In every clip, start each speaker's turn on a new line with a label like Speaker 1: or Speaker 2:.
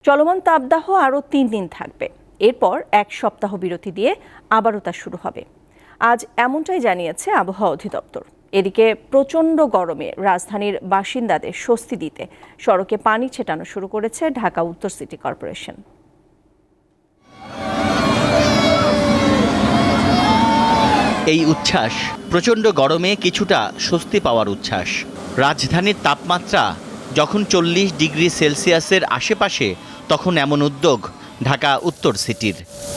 Speaker 1: চলমান তাপদাহ আরও 3 দিন থাকবে। এরপর 1 সপ্তাহ বিরতি দিয়ে আবারও তা শুরু হবে। আজ এমনটাই জানিয়েছে আবহাওয়া অধিদপ্তর। এদিকে প্রচণ্ড গরমে রাজধানীর বাসিন্দাদের স্বস্তি দিতে সড়কে পানি ছেটানো শুরু করেছে ঢাকা উত্তর সিটি কর্পোরেশন।
Speaker 2: এই উচ্ছ্বাস প্রচণ্ড গরমে কিছুটা স্বস্তি পাওয়ার উচ্ছ্বাস। রাজধানীর তাপমাত্রা যখন 40 ডিগ্রি সেলসিয়াসের আশেপাশে, তখন এমন উদ্যোগ ঢাকা উত্তর সিটির।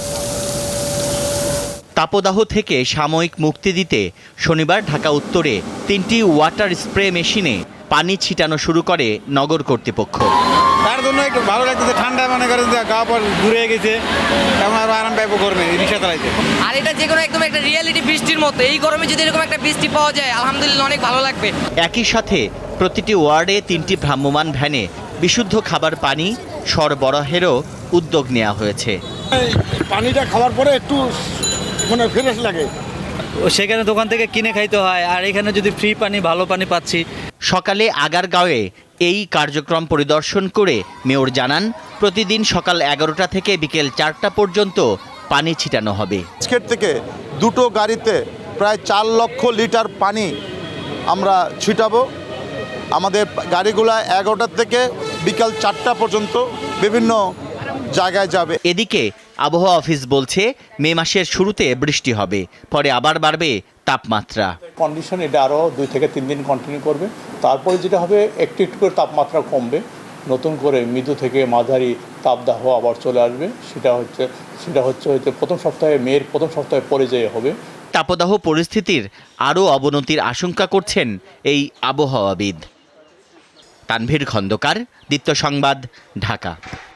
Speaker 2: তাপদাহ থেকে সাময়িক মুক্তি দিতে শনিবার ঢাকা উত্তরে 3টি ওয়াটার স্প্রে মেশিনে পানি ছিটানো শুরু করে নগর কর্তৃপক্ষ।
Speaker 3: তার জন্য একটু ভালো লাগতেছে, ঠান্ডা মনে করেন যে গা পর ঘুরে গেছে, তেমন আরো আরাম পাইবো গরমে রিক্সা চালাইতে।
Speaker 4: আর এটা যে কোনো একদম একটা রিয়েলিটি বৃষ্টির মতো, এই গরমে যদি এরকম একটা বৃষ্টি পাওয়া যায় আলহামদুলিল্লাহ অনেক ভালো লাগবে।
Speaker 2: একই সাথে প্রতিটি ওয়ার্ডে 3টি ভ্রাম্যমাণ ভ্যানে বিশুদ্ধ খাবার পানি সরবরাহেরও উদ্যোগ নেওয়া হয়েছে।
Speaker 5: পানিটা খাওয়ার পরে একটু মানে ফ্রেশ লাগে।
Speaker 6: সেখানে দোকান থেকে কিনে খাইতে হয়, আর এখানে যদি ফ্রি পানি, ভালো পানি পাচ্ছি।
Speaker 2: সকালে আগারগাঁওয়ে এই কার্যক্রম পরিদর্শন করে মেয়র জানান, প্রতিদিন সকাল 11টা থেকে বিকেল 4টা পর্যন্ত পানি ছিটানো হবে।
Speaker 5: আজকের থেকে দুটো গাড়িতে প্রায় 4 লক্ষ লিটার পানি আমরা ছিটাবো। আমাদের গাড়িগুলা 11টা থেকে বিকাল 4টা পর্যন্ত বিভিন্ন জায়গায় যাবে।
Speaker 2: এদিকে আবহাওয়া অফিস বলছে মে মাসের শুরুতে বৃষ্টি হবে, পরে আবার বাড়বে তাপমাত্রা।
Speaker 7: কন্ডিশন এটা আরও 2 থেকে 3 দিন কন্টিনিউ করবে। তারপরে যেটা হবে, একটু একটু করে তাপমাত্রা কমবে, নতুন করে মৃদু থেকে মাঝারি তাপদাহ আবার চলে আসবে। সেটা হচ্ছে মের প্রথম সপ্তাহে পর্যায়ে হবে।
Speaker 2: তাপদাহ পরিস্থিতির আরও অবনতির আশঙ্কা করছেন এই আবহাওয়াবিদ। তানভীর খন্দকার, দীপ্ত সংবাদ, ঢাকা।